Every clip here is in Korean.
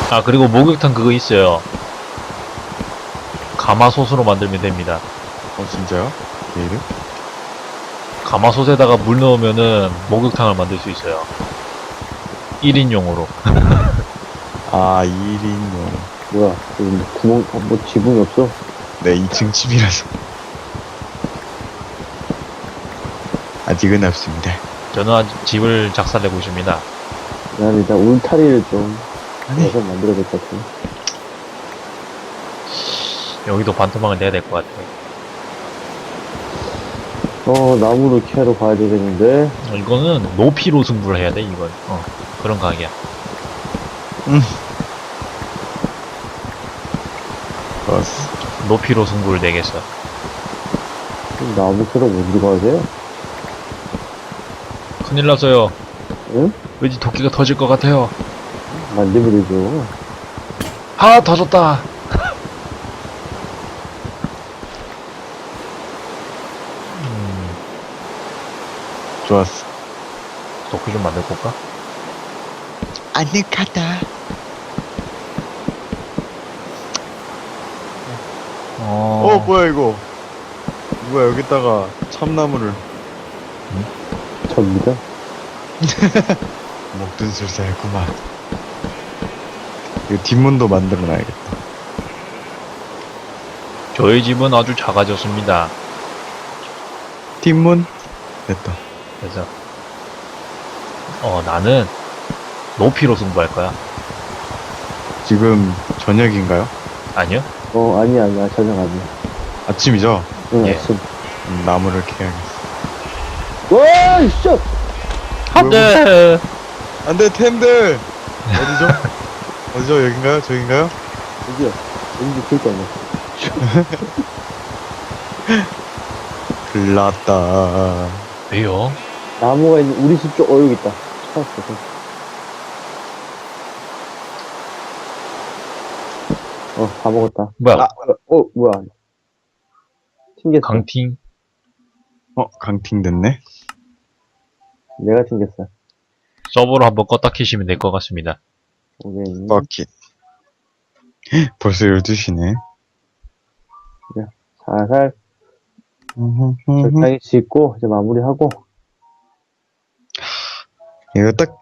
아, 그리고 목욕탕 그거 있어요. 가마솥으로 만들면 됩니다. 진짜요? 게이드? 가마솥에다가 물 넣으면은 목욕탕을 만들 수 있어요. 1인용으로. 아, 1인용. 뭐야, 여기 뭐 구멍, 뭐 지붕이 없어? 네, 2층 집이라서. 아직은 없습니다. 저는 아직 집을 작살내고 있습니다. 난 일단 울타리를 좀 아니. 해서 만들어야 될 것 같아. 여기도 반토막을 내야 될 것 같아요. 나무를 캐러 가야 되겠는데. 이거는 높이로 승부를 해야 돼, 이건. 그런 가게야. 좋았어. 높이로 승부를 내겠어. 나무 캐러 어디 가세요? 큰일 났어요. 응? 왠지 도끼가 터질 것 같아요. 만들면 되죠. 아, 터졌다. 좋았어. 도끼 좀 만들고 올까? 아늑하다. 뭐야, 이거. 누가 여기다가 참나무를. 접니다. 먹든 술사였구만. 이거 뒷문도 만들어놔야겠다. 저희 집은 아주 작아졌습니다. 뒷문? 됐다. 그래서 나는 높이로 승부할 거야. 지금 저녁인가요? 아니요? 아니야. 저녁 아니야. 아침이죠? 응, 예. 아침. 나무를 캐야겠어. 와, 이씨! 안돼. 안돼, 템들! 어디죠? 어디죠? 여긴가요? 저긴가요? 여기요. 여기 볼거 아니야. 글났다. 왜요? 나무가 있는 우리 집 쪽, 여기 있다. 찾았어. 다 먹었다. 뭐야? 뭐야. 튕겼어. 강팅. 강팅 됐네? 내가 튕겼어. 서버로 한번 껐다 키시면 될 것 같습니다. 오케이. 버킷. 벌써 12시네. 살살 적당히 짓고 이제 마무리하고. 이거 딱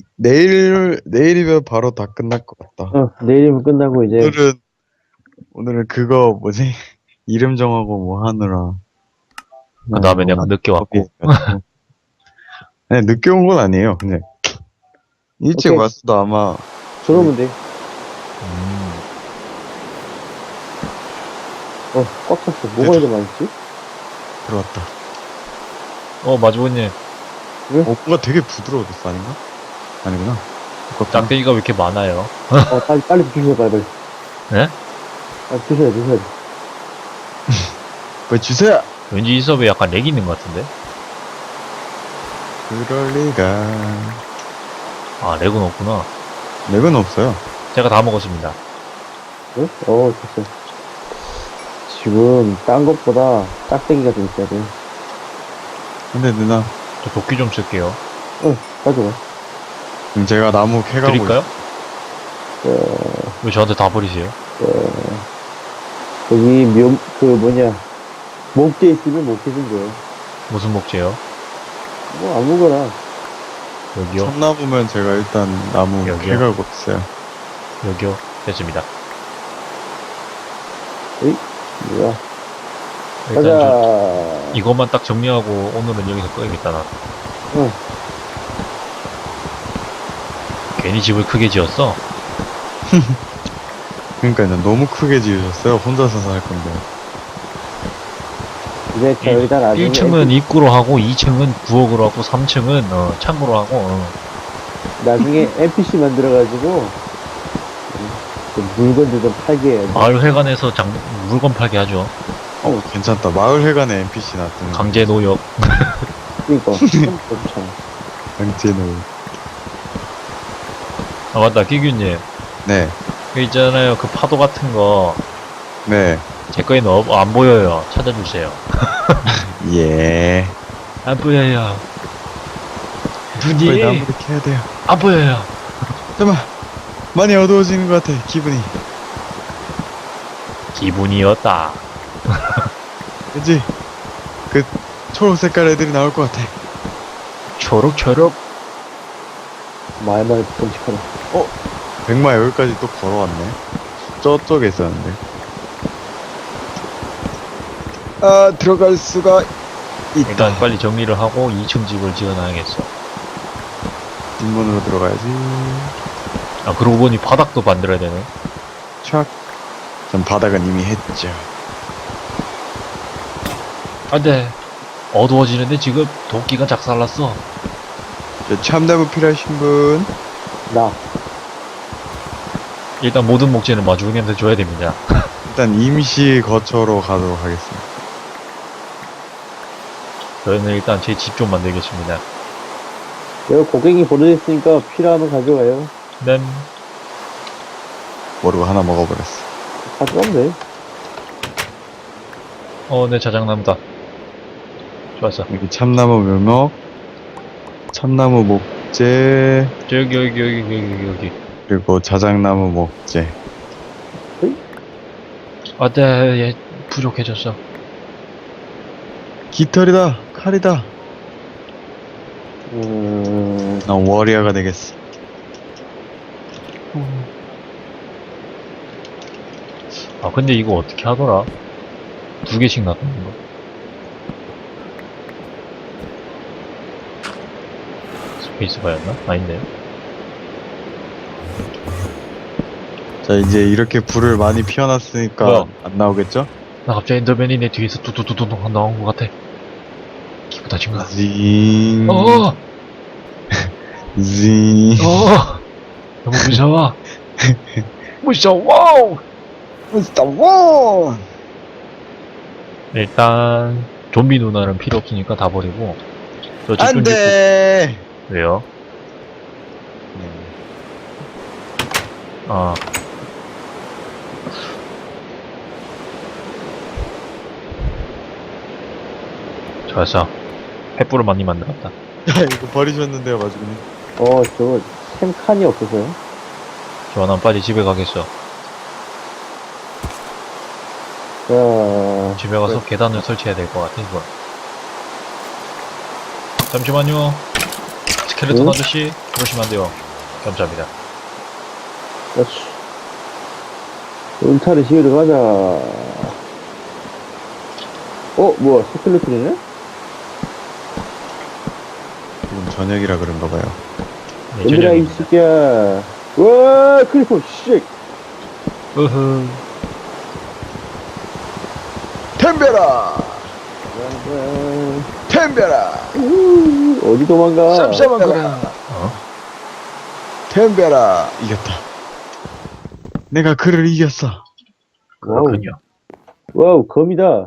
내일이면 바로 다 끝날 것 같다. 내일이면 끝나고 이제 오늘은 그거 뭐지? 이름 정하고 뭐 하느라. 그 다음에 내가 늦게 왔고. 네, 늦게 온 건 아니에요. 그냥 일찍 오케이. 왔어도 아마 저러면 돼. 꽉 찼어. 뭐가 이렇게 많지? 들어왔다. 마주보님. 뭔가 되게 부드러워졌어, 아닌가? 아니구나. 짝대기가 왜 이렇게 많아요? 빨리 주세요, 빨리. 네? 주셔야 돼. 왜 주세요! 왠지 이 수업에 약간 렉이 있는 것 같은데? 그럴 리가. 아, 렉은 없구나. 맥은 없어요. 제가 다 먹었습니다. 네? 됐어. 지금 딴 것보다 짝대기가 좀 있어야 돼. 근데 누나, 저 도끼 좀 쓸게요. 가져가. 지금 제가 나무 캐가고 드릴까요? 왜 저한테 다 버리세요? 여기 목재 있으면 목재 좀 줘요. 무슨 목재요? 뭐 아무거나. 여기요? 참나무면 제가 일단 나무 여기요? 캐가고 있어요. 여기요? 됐습니다. 뭐야. 일단 저 가자. 이것만 딱 정리하고 오늘은 여기서 꺼야겠다, 나. 응. 괜히 집을 크게 지었어? 그러니까 너무 크게 지으셨어요. 혼자서 살 건데. 이제 저희가 나중에 1층은 입구로 하고 2층은 부엌으로 하고 3층은 창고로 하고 나중에 NPC 만들어가지고 좀 물건들 좀 팔게 해야 돼. 마을 회관에서 물건 팔게 하죠. 괜찮다. 마을회관에 NPC 놨더니. 강제 노역. 그니까 좋잖아. 강제노. 아 맞다, 끼규님. 네. 그 있잖아요, 그 파도 같은 거. 네. 제 거에는 안 보여요. 찾아주세요. 예. 안 보여요. 빨리 눈이 나무를 캐야 돼요. 안 보여요. 잠깐만. 많이 어두워지는 것 같아, 기분이. 기분이었다. 왠지, 그, 초록 색깔 애들이 나올 것 같아. 초록초록. 말만 끔찍하다. 백마 여기까지 또 걸어왔네. 저쪽에 있었는데. 아, 들어갈 수가 있다. 일단 빨리 정리를 하고 2층 집을 지어놔야겠어. 뒷문으로 들어가야지. 아, 그러고 보니 바닥도 만들어야 되네. 촥. 전 바닥은 이미 했죠. 안 돼. 어두워지는데 지금 도끼가 작살났어. 저 참나무 필요하신 분? 나. 일단 모든 목재는 마주형한테 줘야 됩니다. 일단 임시 거처로 가도록 하겠습니다. 저는 일단 제 집 좀 만들겠습니다. 내가 고객이 보내줬으니까 필요하면 가져가요. 네. 모르고 하나 먹어버렸어. 가져가면 돼. 내 자작나무다. 좋았어. 여기 참나무 묘목, 참나무 목재, 여기. 그리고 자작나무 목재. 아, 네, 얘 부족해졌어. 깃털이다, 칼이다. 난 워리어가 되겠어. 아, 근데 이거 어떻게 하더라? 2개씩 놔두는 거. 스페이스바였나? 아닌데. 자, 이제 이렇게 불을 많이 피워놨으니까 뭐야? 안 나오겠죠? 나 갑자기 엔더맨이 내 뒤에서 뚜뚜뚜뚜 나온 것 같아. 기분 다친 거야. 징, 어! 징. 너무 무서워. 무서워! 스타워! 일단, 좀비 누나는 필요 없으니까 다 버리고. 저 집 좀 안 돼! 짓고. 왜요? 아. 좋았어. 횃불을 많이 만들었다. 이거 버리셨는데요, 마주님. 저거, 템칸이 없어서요. 좋아, 난 빨리 집에 가겠어. 자, 집에 가서 계단을 설치해야 될 것 같아, 이거. 잠시만요. 스켈레톤 응? 아저씨, 그러시면 안 돼요. 감사합니다. 그렇지. 울타리 지으러 가자. 뭐야, 스켈레톤이네? 지금 저녁이라 그런가 봐요. 네, 얘들아, 이 저녁입니다. 새끼야. 와, 크리퍼, 씨. 으흐. 템벼라! 템벼라! 어디 도망가? 쌈싸먹거라! 템벼라! 이겼다. 내가 그를 이겼어. 그렇군요. 와우, 검이다.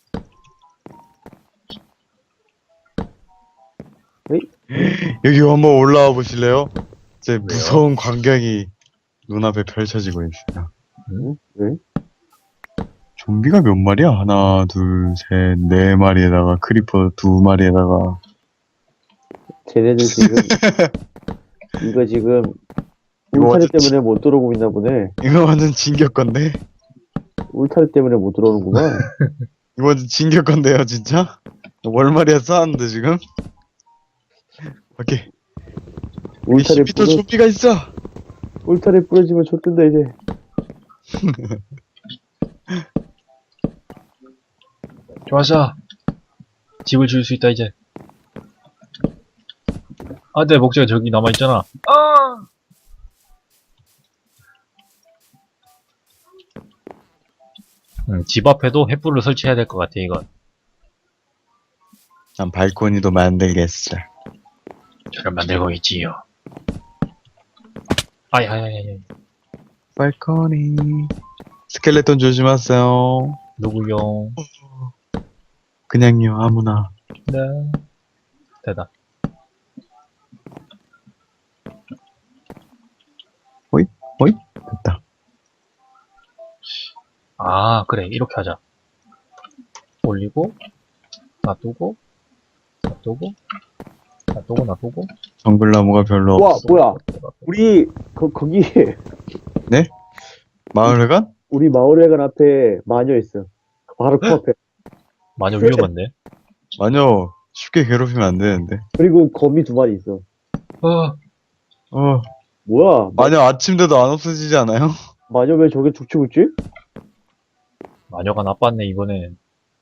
여기 한번 올라와 보실래요? 제 무서운 광경이 눈앞에 펼쳐지고 있어요. 응? 왜? 좀비가 몇 마리야? 하나, 둘, 셋, 네 마리에다가 크리퍼 두 마리에다가 쟤네들 지금, 이거 지금, 이거 울타리 완전 때문에 못 들어오고 있나 보네. 이거 완전 진격 건데? 울타리 때문에 못 들어오는구만. 이거 완전 진격 건데요, 진짜? 월말이야 쌓았는데 지금? 오케이. 울타리 10m 좀비가 있어. 울타리 부러지면 좆된다, 이제. 좋았어. 집을 지을 수 있다, 이제. 아, 내 목재가 저기 남아있잖아. 집 앞에도 횃불을 설치해야 될 것 같아, 이건. 난 발코니도 만들겠어. 저를 만들고 있지요. 아야야야야. 발코니. 스켈레톤 조심하세요. 누구요? 그냥요, 아무나. 네. 됐다. 어이? 됐다. 아, 그래. 이렇게 하자. 올리고, 놔두고, 놔두고, 놔두고. 놔두고? 정글나무가 별로 와, 없어. 뭐야. 우리, 거기, 마을회관? 우리 마을회관 앞에 마녀 있어. 바로 그 앞에. 마녀 위험한데? 마녀 쉽게 괴롭히면 안 되는데. 그리고 거미 2마리 있어. 어, 뭐야? 마녀 아침 돼도 안 없어지지 않아요? 마녀 왜 저게 죽치고 있지? 마녀가 나빴네, 이번엔.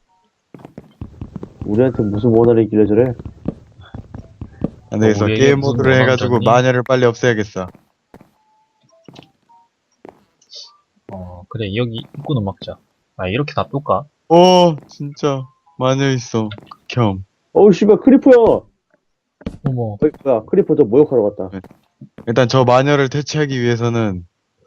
우리한테 무슨 원한이 있길래 저래? 안 되겠어. 우리에게 게임 무슨 모드를 원한 해가지고 줬니? 마녀를 빨리 없애야겠어. 그래, 여기 입구는 막자. 아, 이렇게 놔둘까? 진짜 마녀 있어. 겸. 어우, 씨발, 크리퍼야! 어머, 어이, 뭐야, 크리퍼 저 모욕하러 갔다. 일단 저 마녀를 퇴치하기 위해서는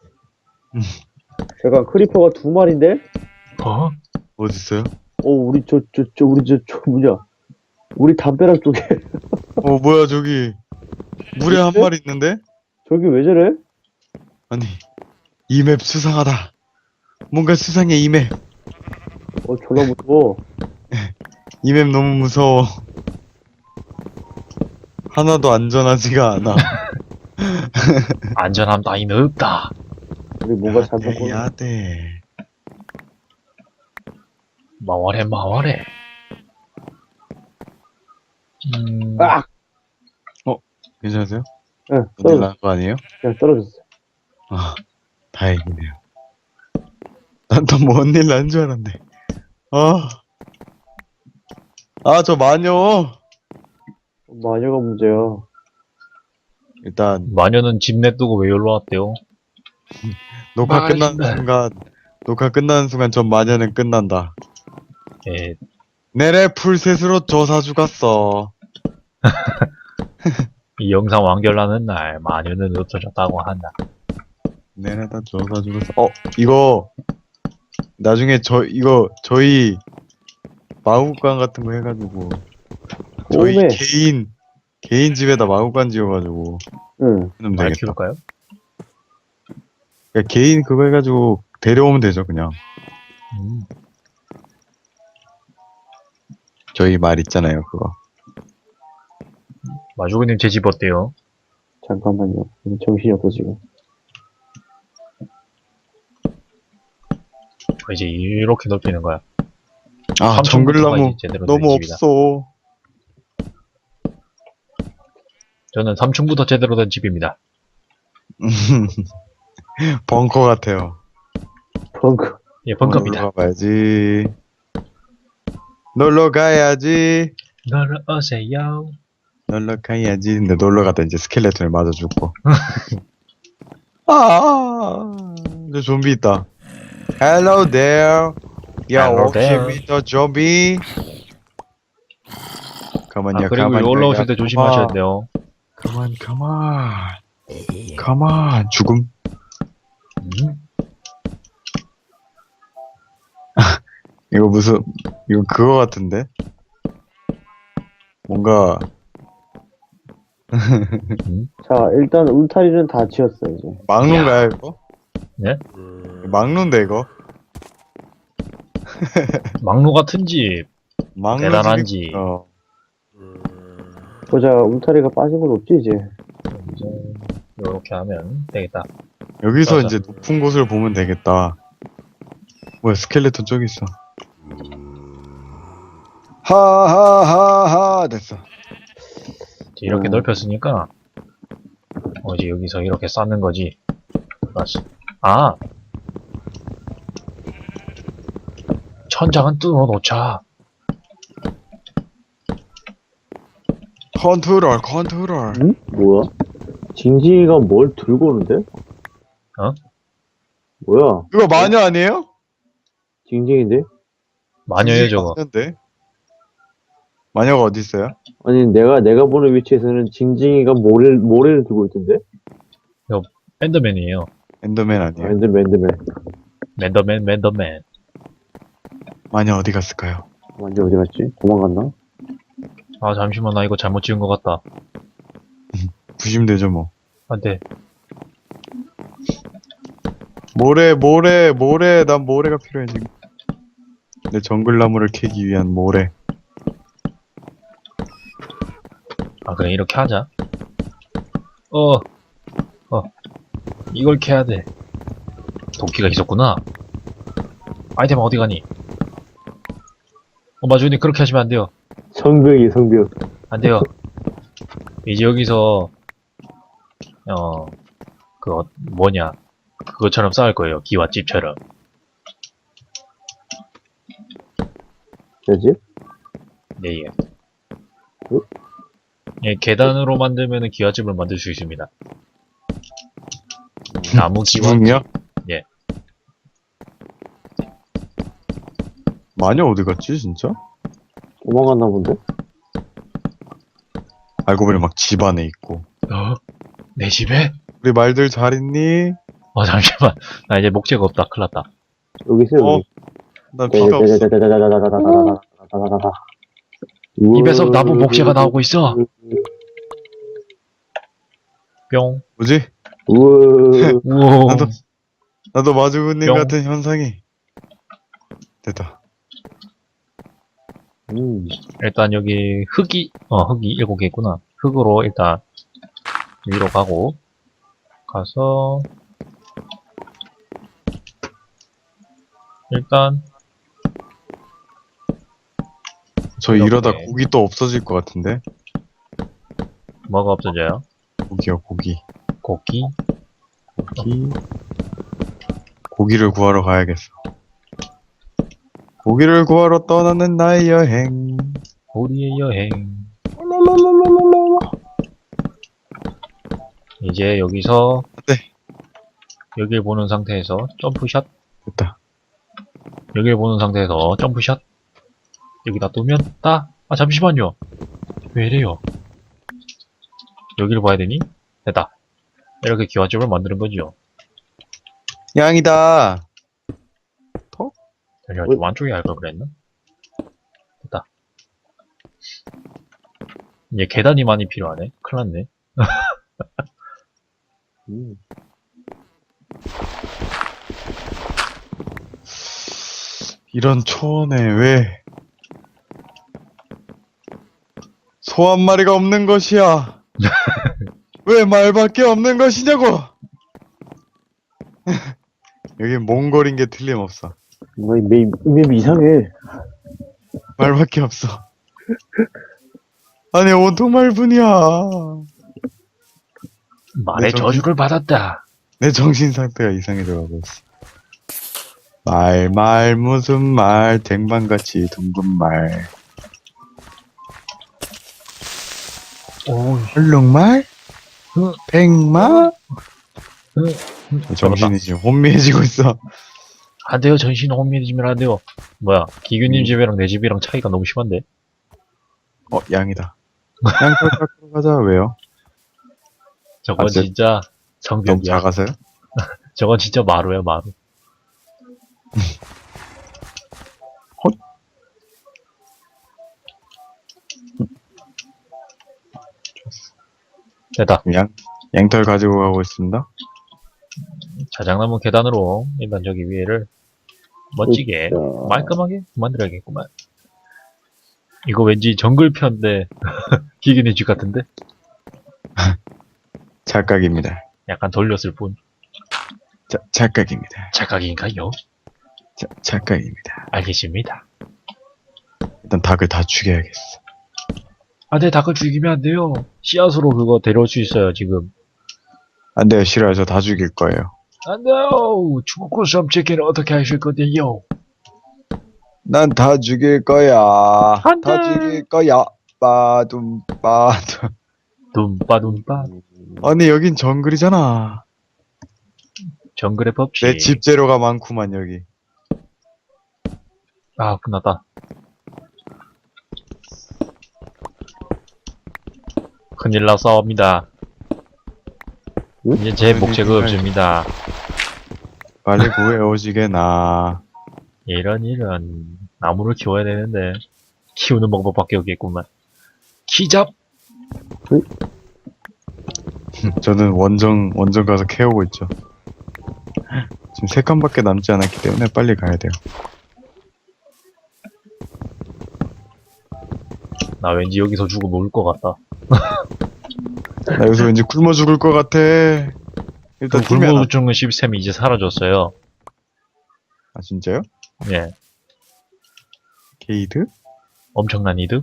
잠깐, 크리퍼가 2마리인데? 어디 있어요? 우리 뭐냐. 우리 담벼락 쪽에. 뭐야 저기 물에 한 있어요? 마리 있는데? 저기 왜 저래? 아니 이 맵 수상하다. 뭔가 수상해 이 맵. 졸라 무서워. 이 맵 너무 무서워. 하나도 안전하지가 않아. 안전함 따위는 없다. 우리 뭔가 잘못했구나. 해야 돼. 마와래. 아! 괜찮으세요? 응, 어디 떨어졌어. 나간 거 아니에요? 그냥 떨어졌어. 아 다행이네요. 난 또 뭔 일 난 줄 알았네. 저 마녀. 마녀가 문제야. 일단 마녀는 집 내두고 왜 여기로 왔대요? 녹화 말하신다. 끝나는 순간 전 마녀는 끝난다. 예, 내래 풀셋으로 조사 죽었어. 이 영상 완결나는 날 마녀는 없어졌다고 한다. 내래다 조사 죽었어. 이거 나중에 저희 마구간 같은 거 해가지고 저희 오메. 개인 집에다 마구간 지어가지고 응. 하면 말 되겠다. 키울까요? 그러니까 개인 그거 해가지고 데려오면 되죠 그냥. 저희 말 있잖아요 그거. 마주구님 제 집 어때요? 잠깐만요. 정신이 없어, 지금. 이제 이렇게 넓히는 거야. 아 3층부터가 정글나무 이제 제대로 된 너무 집이다. 없어. 저는 3층부터 제대로 된 집입니다. 벙커 같아요. 벙커. 예, 벙커입니다. 놀러 가봐야지. 놀러 가야지. 놀러 오세요. 놀러 가야지. 근데 놀러 가다 이제 스켈레톤에 맞아 죽고. 이제 좀비 있다. Hello there. 야, Hello 혹시 there. 미터 좀비? 가만요, 그리고 가만. 올라오실 때 조심하셔야 돼요. 가만. 가만. 죽음. 이거 그거 같은데? 뭔가, 자, 일단 울타리는 다 지었어, 이제. 막루인가요, 이거? 네? 막루인데, 이거? 막루 같은 집, 막루 대단한 집이- 집. 보자, 울타리가 빠진 건 없지, 이제. 이제 이렇게 하면 되겠다. 여기서 맞아. 이제 높은 곳을 보면 되겠다. 뭐야, 스켈레톤 저기 있어. 하하하하, 됐어. 이제 이렇게 넓혔으니까 이제 여기서 이렇게 쌓는 거지. 맞지? 천장은 뚫어 놓자. 컨트롤. 응? 뭐야? 징징이가 뭘 들고 오는데? 뭐야? 이거 마녀 아니에요? 징징인데? 마녀예요 저거. 마녀인데? 마녀가 어디 있어요? 아니, 내가 보는 위치에서는 징징이가 모래를 들고 있던데? 엔더맨이에요. 엔더맨 아니에요? 엔더맨. 맨더맨. 마녀 어디 갔을까요? 완전 어디 갔지? 도망갔나? 잠시만, 나 이거 잘못 지은 것 같다. 부시면 뭐. 안 돼. 모래. 난 모래가 필요해, 지금. 내 정글나무를 캐기 위한 모래. 그래, 이렇게 하자. 이걸 캐야 돼. 도끼가 있었구나. 아이템 어디 가니? 마주님, 그렇게 하시면 안 돼요. 성벽이 성벽. 안 돼요. 이제 여기서, 그것처럼 싸울 거예요. 기와집처럼. 뭐지? 네, 예. 예, 계단으로 만들면은 기와집을 만들 수 있습니다. 나무 기와. 지붕이요? 예. 마녀 어디 갔지 진짜? 도망갔나 본데? 알고 보니 막 집 안에 있고. 내 집에? 우리 말들 잘 있니? 잠시만. 나 이제 목재가 없다. 큰일 났다. 여기 있어요, 어? 여기. 나 피가 없어. 입에서 나무 목재가 나오고 있어. 뿅. 뭐지? 우와. 우와. 나도 마주님 뿅. 같은 현상이. 됐다. 일단 여기 흙이 7개 있구나. 흙으로 일단 위로 가서 일단 저 이렇게. 이러다 고기 또 없어질 것 같은데? 뭐가 없어져요? 고기요, 고기. 고기? 고기를 구하러 가야겠어. 고기를 구하러 떠나는 나의 여행. 우리의 여행. 이제 여기서 네. 여길 보는 상태에서 점프샷. 됐다. 여길 보는 상태에서 점프샷. 여기다 두면 따. 잠시만요. 왜 이래요? 여기를 봐야 되니? 됐다. 이렇게 기와집을 만드는 거지요. 양이다. 잠시만, 좀 안쪽에 할 걸 그랬나? 됐다. 이제 계단이 많이 필요하네. 큰일 났네. 이런 초원에 왜 소 한 마리가 없는 것이야? 왜 말밖에 없는 것이냐고? 여기 몽골인 게 틀림없어. 뭔가 이 맵 이상해. 말밖에 없어. 아니 온통 말뿐이야. 말의 네, 저주를 받았다. 내 정신 상태가 이상해져가고 있어. 말 무슨 말 쟁반같이 둥근 말. 오, 얼룩말? 백마? 잡았다. 정신이 지금 혼미해지고 있어. 안 돼요. 전신 혼미해지면 안 돼요. 뭐야, 기규님 음. 집이랑 내 집이랑 차이가 너무 심한데? 양이다. 양털 깎으러 가자. 왜요? 저건 저- 진짜 너무 성벽이야. 작아서요? 저건 진짜 마루야, 마루. 됐다. 양털 가지고 가고 있습니다. 자작나무 계단으로 일단 저기 위에를 멋지게 말끔하게 만들어야겠구만. 이거 왠지 정글편인데 기계네 집 같은데? 착각입니다. 약간 돌렸을 뿐. 착각입니다. 착각인가요? 착각입니다. 알겠습니다. 일단 닭을 다 죽여야겠어. 네, 닭을 죽이면 안 돼요. 씨앗으로 그거 데려올 수 있어요, 지금. 안 돼요, 싫어요. 저 다 죽일 거예요. 안 돼요! 죽고 섬치기는 어떻게 하실 건데요? 난 다 죽일 거야. 안 돼. 다 죽일 거야. 빠둠. 둠빠둠빠. 아니, 여긴 정글이잖아. 정글의 법칙. 내 집 재료가 많구만, 여기. 끝났다. 큰일 났사옵니다. 이제 제 목재가 없습니다. 빨리 구해 오시게나. 이런 나무를 키워야 되는데 키우는 방법밖에 없겠구만. 키잡. 저는 원정 가서 캐오고 있죠. 지금 3칸밖에 남지 않았기 때문에 빨리 가야 돼요. 나 왠지 여기서 죽으면 울 것 같다. 나 여기서 왠지 굶어 죽을 것 같아. 일단 그 팀에 하나. 굶어 죽는 시스템이 이제 사라졌어요. 아, 진짜요? 예. 게이드? 엄청난 이득.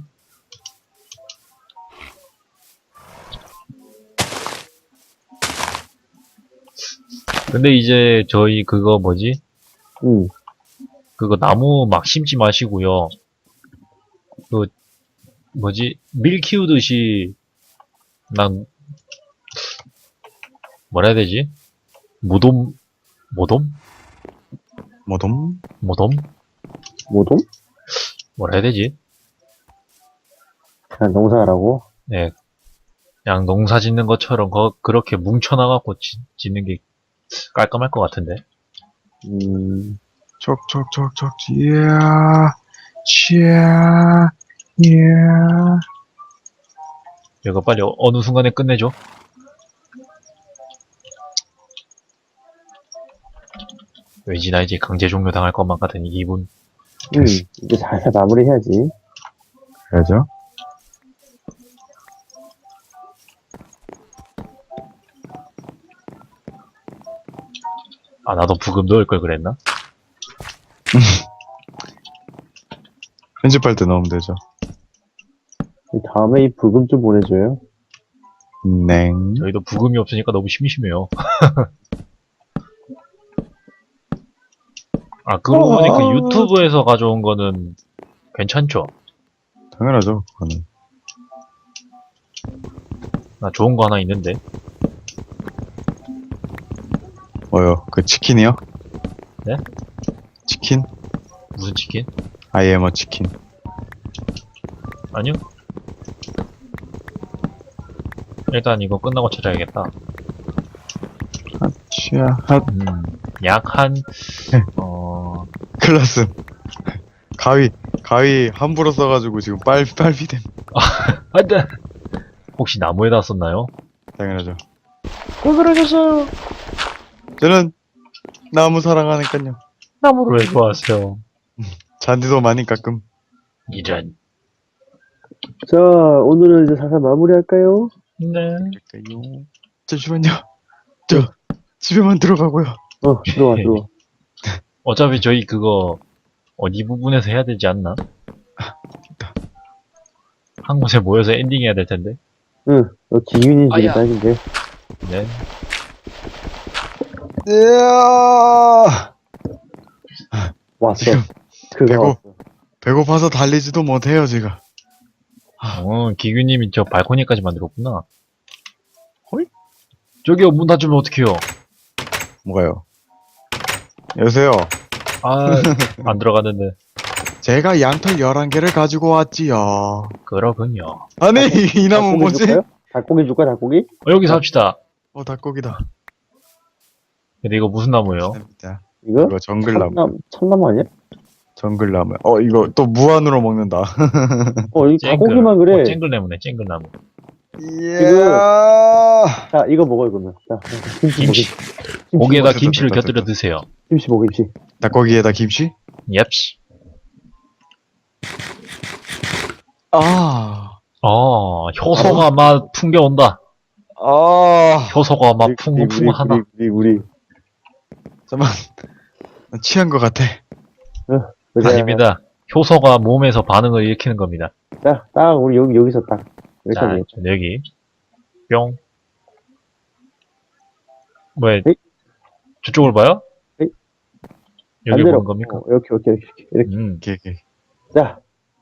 근데 이제 저희 그거 뭐지? 응. 그거 나무 막 심지 마시고요. 그 뭐지? 밀 키우듯이 난 뭐라 해야 되지? 모돔 모돔 뭐돔? 모돔 뭐도? 뭐라 해야 되지? 그냥 농사하라고? 네, 그냥 농사 짓는 것처럼 그렇게 뭉쳐나갖고 짓는 게 깔끔할 것 같은데. 촉촉촉촉, 이야, 치야, 이야. 이거 빨리 어느 순간에 끝내줘. 왠지 나 이제 강제 종료 당할 것만 같은 이 기분. 이제 잘 마무리해야지. 그래야죠. 아, 나도 부금 넣을 걸 그랬나? 편집할 때 넣으면 되죠. 다음에 이 부금 좀 보내줘요. 냉. 저희도 부금이 없으니까 너무 심심해요. 아, 그러고 보니까 유튜브에서 가져온 거는 괜찮죠? 당연하죠, 그거는. 나 좋은 거 하나 있는데. 뭐요? 그 치킨이요? 네? 치킨? 무슨 치킨? I am a 치킨. 아니요. 일단 이거 끝나고 찾아야겠다. 치야, 핫. 약 한, 네. 클라스. 가위 함부로 써가지고 지금 빨비됨. 안 돼! 혹시 나무에다 썼나요? 당연하죠. 왜 그러셨어요? 저는 나무 사랑하니까요. 나무를 왜 좋아하세요? 잔디도 많이 깎음. 이런. 자, 오늘은 이제 살살 마무리할까요? 네. 그러니까요. 잠시만요. 저 집에만 들어가고요. 들어와. 어차피 저희 그거, 어디 부분에서 해야 되지 않나? 한 곳에 모여서 엔딩 해야 될 텐데. 응, 너 기윤이 집에 아야. 딱인데. 네. 이야. 왔어. 지금 그거 배고- 왔어. 배고파서 달리지도 못해요, 제가. 기규님이 저 발코니까지 만들었구나. 헐? 저기요, 문 닫으면 어떡해요? 뭐가요? 여보세요. 아, 안 들어갔는데. 제가 양털 11개를 가지고 왔지요. 그러군요. 아니, 이 나무 뭐지? 줄까요? 닭고기 줄까, 닭고기? 여기서 합시다. 닭고기다. 근데 이거 무슨 나무예요? 감사합니다. 이거? 이거 정글나무. 참나무 아니야? 정글나무. 이거 또 무한으로 먹는다. 이 닭고기만 그래. 쨍글나무네, 쨍글나무. 이야. 자, 이거 먹어, 이거면. 자, 김치 먹어. 김치. 고기에다 됐다, 김치를 됐다, 곁들여 됐다. 드세요. 김치 먹어, 김치. 닭고기에다 김치? 옙시. 효소가 막 풍겨온다. 효소가 막 풍부하다. 우리. 잠깐만. 나 취한 것 같아. 아닙니다. 효소가 몸에서 반응을 일으키는 겁니다. 자, 딱, 우리 여기서 딱. 자, 여기까지. 여기. 뿅. 왜, 에이? 저쪽을 봐요? 에이? 여기 반대로. 보는 겁니까? 이렇게. 이렇게. 자,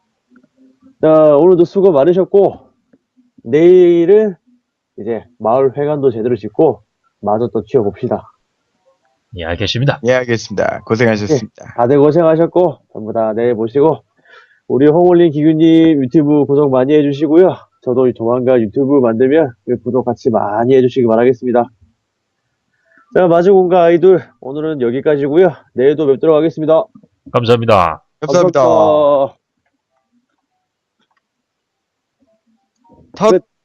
오늘도 수고 많으셨고, 내일은 이제 마을 회관도 제대로 짓고, 마저 또 지어봅시다. 예, 알겠습니다. 예, 알겠습니다. 고생하셨습니다. 다들 고생하셨고, 전부 다 내일 보시고, 우리 홍올린 기규님 유튜브 구독 많이 해주시고요. 저도 조만간 유튜브 만들면 그 구독 같이 많이 해주시기 바라겠습니다. 자, 마주공과 아이돌, 오늘은 여기까지고요. 내일도 뵙도록 하겠습니다. 감사합니다. 감사합니다. 감사합니다. 탓. 끝.